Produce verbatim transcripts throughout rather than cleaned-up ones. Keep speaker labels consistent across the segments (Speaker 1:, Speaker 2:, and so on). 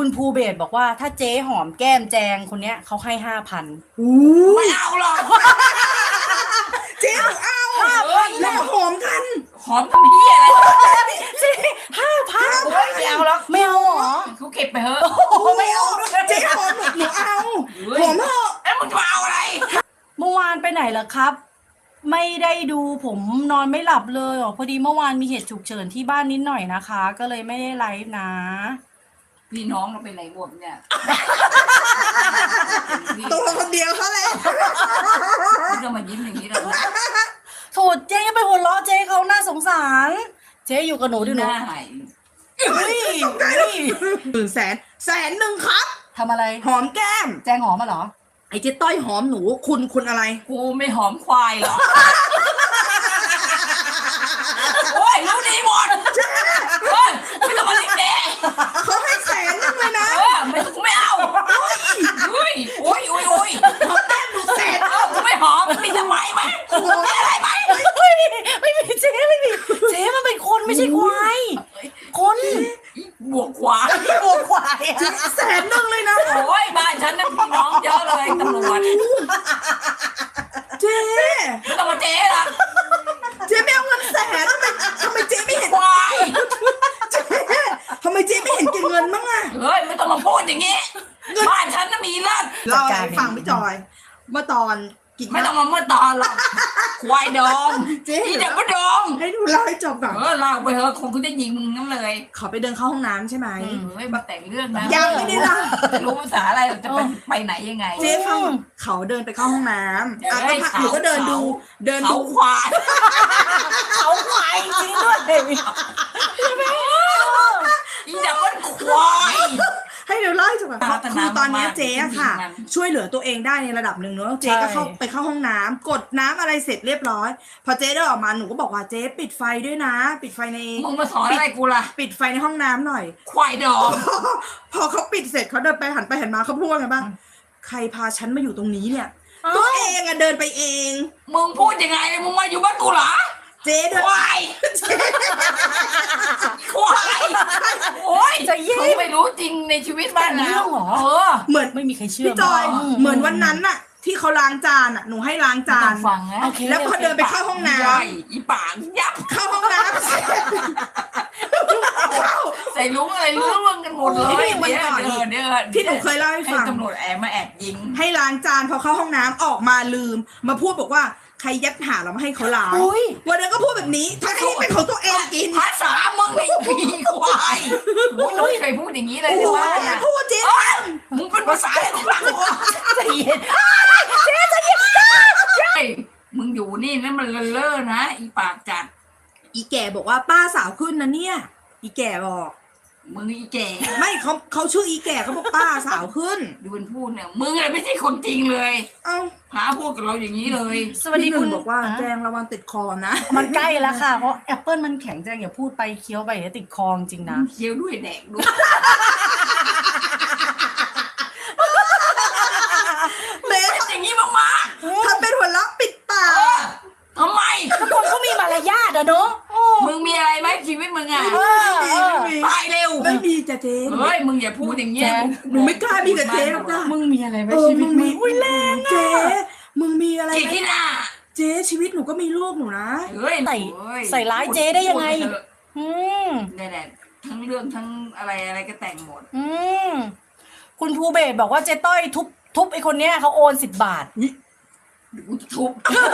Speaker 1: คุณภูเบศบอกว่าถ้าเจ๊หอมแก้มแจงคนเนี้ยเขาให้ห้าพัน
Speaker 2: ไม่เอาหรอก
Speaker 3: เจ๊เอาห้าพันแล้วหอมกัน
Speaker 2: หอมทำเพี้ยอะไร
Speaker 1: เจ๊ห้าพัน
Speaker 2: ไม่เอาหรอก
Speaker 1: ไม่เอาหรอ
Speaker 2: เขาเก็บไปเถอะ
Speaker 3: ไม่เอาเจ๊หอมหนูเอาหอมเถอะ
Speaker 2: แล้วมึงจะเอาอะไร
Speaker 1: เมื่อวานไปไหนล่ะครับไม่ได้ดูผมนอนไม่หลับเลยอ๋อพอดีเมื่อวานมีเหตุฉุกเฉินที่บ้านนิดหน่อยนะคะก็เลยไม่ได้ไลฟ์นะ
Speaker 2: พี่น้องเราไปไหนหมดเนี่ย
Speaker 3: ตัวคนเดียวเขาเลย
Speaker 2: พี่ก็มายิ้มอย่างนี้แล้ว
Speaker 1: โถเจ๊ไปหัวเราะเจ๊เขาน่าสงสารเจ๊อยู่กับหนูด้วยหนู
Speaker 3: เฮ้ยหนึ่งแสนแสนหนึ่งครับ
Speaker 1: ทำอะไร
Speaker 3: หอมแก้ม
Speaker 1: แจงหอมมาเหรอ
Speaker 3: ไอ้เจ๊ต้อยหอมหนูคุณคุณอะไร
Speaker 2: กูไม่หอมควายหรอโอ้ยรู้ดีหมดเฮ้ยไม่ต้องมาลิ้นเด็ก
Speaker 3: เขาให้แสนนึงเลยนะ
Speaker 2: เออไม่กูไม่เอาเฮ้ยโอ้ยโอ้ยโอ้ย
Speaker 3: หอมแก้มหนูแสน
Speaker 2: เออกูไม่หอมมีทำไมไหมมีอะไรไหม
Speaker 1: ไม่มีไม่มีเจ๊ไม่มีเจ๊มันเป็นคนไม่ใช่ควายคน
Speaker 2: บวกควาย
Speaker 1: บวกควาย
Speaker 3: แสนนึงเลยนะ
Speaker 2: โอ้ยบ้านฉันนั่นพี่น้องเยอะเลยตำรวจ
Speaker 3: เจ๊
Speaker 2: ไม่ต้องมาเจ๊ละ
Speaker 3: เจ๊ไม่เอาเงินแสนทำไมทำไมเจ๊ไม่เห็น
Speaker 2: ควาย
Speaker 3: เจ๊ทำไมเจ๊ไม่เห็นเก็บเงินบ้างอะ
Speaker 2: เฮ้ยไม่ต้องมาพูดอย่างนี้บ้านฉันน่ะมีเลิศ
Speaker 3: เราฟังพี่จอยเมื่อตอนกิน
Speaker 2: ไม่ต้องมาเมื่อตอนหรอกควายดอง
Speaker 3: เจ๊
Speaker 2: เดี๋ยวก็ดอง
Speaker 3: ให้ดูเล่าให้จบก่อน
Speaker 2: เออเล่าไปเถอะคงคุณจะยิงมึงนั่นเลย
Speaker 3: เขาไปเดินเข้าห้องน้ำใช่ไหม
Speaker 2: เฮ้ยมาแต่งเรื่องนะ
Speaker 3: ยังไม่ได้เล่า
Speaker 2: จะรู้ภาษาอะไรจะไปไปไหนยังไง
Speaker 3: เจ๊ฟังเขาเดินไปเข้าห้องน้ำอ่ะก็หนูก็เดินดูเดินดู
Speaker 2: ควาย
Speaker 1: เขาควายจริงด้วย
Speaker 2: อีดับเบิ้ลควาย
Speaker 3: ให้เดี๋ยวเล่าให้จบก่อนคือตอนนี้เจ๊ค่ะช่วยเหลือตัวเองได้ในระดับหนึ่งเนอะเจ๊ก็เข้าไปเข้าห้องน้ำกดน้ำอะไรเสร็จเรียบร้อยพอเจ๊เดินออกมาหนูก็บอกว่าเจ๊ปิดไฟด้วยนะปิดไฟใน
Speaker 2: มึงมาสอนอะไรกูล่ะ
Speaker 3: ปิดไฟในห้องน้ำหน่อย
Speaker 2: ควายดอง
Speaker 3: พอเขาปิดเสร็จเขาเดินไปหันไปหันมาเขาพูดว่าไงบ้างใครพาฉันมาอยู่ตรงนี้เนี่ยตัวเองอะเดินไปเอง
Speaker 2: มึงพูดยังไงมึงมาอยู่บ้านกูเหรอ
Speaker 3: เจ๊
Speaker 2: ควายควายโอ้ย
Speaker 1: จะยิ่ง
Speaker 2: ไม่รู้จริงในชีวิตบ้านนะ
Speaker 1: เออเหมือนไม่มีใครเชื่อ
Speaker 3: พี่จอยเหมือนวันนั้นน่ะที่เขาล้างจานอ่ะหนูให้ล้างจาน
Speaker 2: ฟังนะ
Speaker 3: แล้วพอเดินไปเข้าห้องน้
Speaker 2: ำอีปากยับ
Speaker 3: เข้าห้องน้ำ
Speaker 2: ใส่ลุ้งอะไรลุ้งกันหมดเลย
Speaker 3: วันก่อนที่หนูเคยเล่าให้ฟัง
Speaker 2: ตำรวจแอบมาแอบยิง
Speaker 3: ให้ล้างจานพอเข้าห้องน้ำออกมาลืมมาพูดบอกว่าใครยัดหาเรามาให้เขาล้างวันนั้นก็พูดแบบนี้ถ้าให้เป็นของตัวเองกิน
Speaker 2: ภาษามึงไอ้ผีควายมึงไม่เคยพูดอย่างนี้เลยใช่ไหม
Speaker 3: พูดจริง
Speaker 2: มึงเป็นภาษาอะไรของเรา
Speaker 1: ใจเย็นเจ๊ใจเย็น
Speaker 2: ใช่มึงอยู่นี่นั่นมันเล่อนะอีปากจัด
Speaker 3: อีแก่บอกว่าป้าสาวขึ้นนะเนี่ยอีแก่บอก
Speaker 2: มึงอีแก่
Speaker 3: ไม่เขาเขาชื่ออีแก่เขาบอกป้าสาวขึ้น
Speaker 2: ดูมันพูดเนี่ยมึงอะไรไม่ใช่คนจริงเลย
Speaker 3: เอ้า
Speaker 2: หาพูดกับเราอย่างนี้เลย
Speaker 3: สวัสดีคุณบอกว่าแจงระวังติดคอนะ
Speaker 1: มันใกล้แล้วค่ะเพราะแอปเปิลมันแข็งแจงอย่าพูดไปเคี้ยวไปเดี๋ยวติดคอจริงนะ
Speaker 2: เคี้ยวด้วยแดกด้วย
Speaker 3: เบส
Speaker 2: อย่างนี้มาก
Speaker 3: ๆทำเป็นหัวเราะปิดปาก
Speaker 2: ทำไม
Speaker 1: ทุกคนเขามีมารยาทอะเนาะ
Speaker 2: มึงมีอะไรไหมชีวิตมึงอะตายเร็ว
Speaker 3: ไม่มีจะเจ๊
Speaker 2: เฮ้ยมึงอย่าพูดอย่างเงี้ย
Speaker 3: หนูไม่กล้ามีกับเจ๊หรอกนะ
Speaker 1: มึงมีอะไรไหมชีวิตมึง
Speaker 3: อุ้ยแรงเจ๊มึงมีอะไรไหม
Speaker 2: ที่น่ะ
Speaker 3: เจ๊ชีวิตหนูก็มีลูกหนูนะ
Speaker 2: เฮ้ย
Speaker 1: ใส่ใส่ร้ายเจ๊ได้ยังไงอืม
Speaker 2: นี่แหละทั้งเรื่องทั้งอะไรอะไรก็แต่งหมด
Speaker 1: อืมคุณภูเบศบอกว่าเจ๊ต้อยทุบทุบไอ้คนเนี้ยเขาโอนสิบบาท
Speaker 2: ทุบ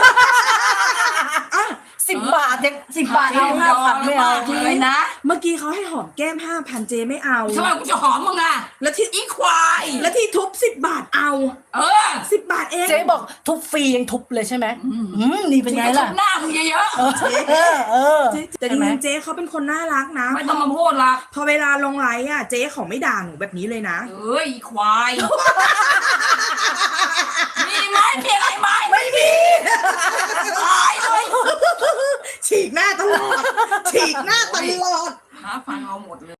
Speaker 1: สิบบาทเจ๊สิบบาทเอาห้าพันไม่เอา
Speaker 2: เลยนะ
Speaker 3: เมื่อกี้เขาให้หอมแก้มห้าพันเจไม่เอา
Speaker 2: ทำไมกูจะหอมมึงอ่ะ
Speaker 3: แล้วที่
Speaker 2: อีควาย
Speaker 3: แล้วที่ทุบสิบบาทเอา
Speaker 2: เออ
Speaker 3: สิบบาทเอง
Speaker 1: เจ๊บอกทุบฟรียังทุบเลยใช่ไหมอืมนี่เป็นไงล่ะ
Speaker 2: หน้ามึงเยอะ
Speaker 1: ๆเออเออ
Speaker 3: แต่จริงๆเจ๊เขาเป็นคนน่ารักนะ
Speaker 2: ไม่ต้องมาพูดละ
Speaker 3: พอเวลาลงไลฟ์อ่ะเจ๊เขาไม่ด่าหนูแบบนี้เลยนะ
Speaker 2: เอ้ยอีควายมีไหมมีอะไรไหม
Speaker 3: ไม่มี
Speaker 2: ตายเลย
Speaker 3: ฉีกหน้าตลอดฉีกหน้าตลอด
Speaker 2: หาฟังเอาหมดเลย